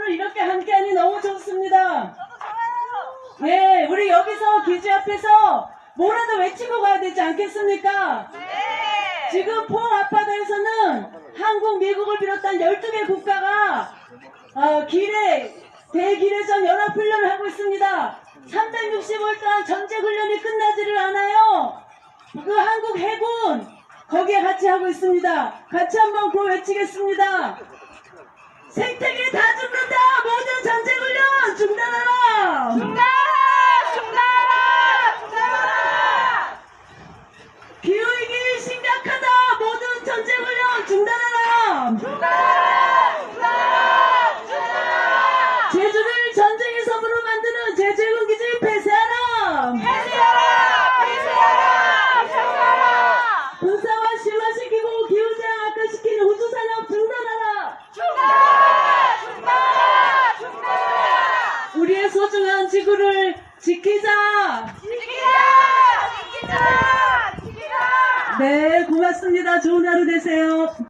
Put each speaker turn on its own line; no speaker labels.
오늘 이렇게 함께하니 너무 좋습니다. 예, 우리 여기서 기지 앞에서 뭐라도 외치고 가야 되지 않겠습니까?
네.
지금 포항 앞바다에서는 한국, 미국을 비롯한 12개 국가가 대기례전 연합훈련을 하고 있습니다. 365일 동안 전쟁훈련이 끝나지를 않아요. 그 한국 해군 거기에 같이 하고 있습니다. 같이 한번 구호 외치겠습니다. 생태계 다 죽는다! 모든 전쟁훈련 중단하라!
중단하라! 중단하라! 중단하라!
기후위기 심각하다! 모든 전쟁훈련 중단하라!
중단하라! 중단하라! 중단하라!
제주를 전쟁의 섬으로 만드는 제주해군기지 폐쇄하라!
폐쇄하라! 폐쇄하라! 폐쇄하라!
군사화 심화시키고 기후재앙 악화시키는 우주산업 중단하라!
중단하라! 중단하라! 중단하라!
우리의 소중한 지구를 지키자!
지키자! 지키자! 지키자!
네, 고맙습니다. 좋은 하루 되세요.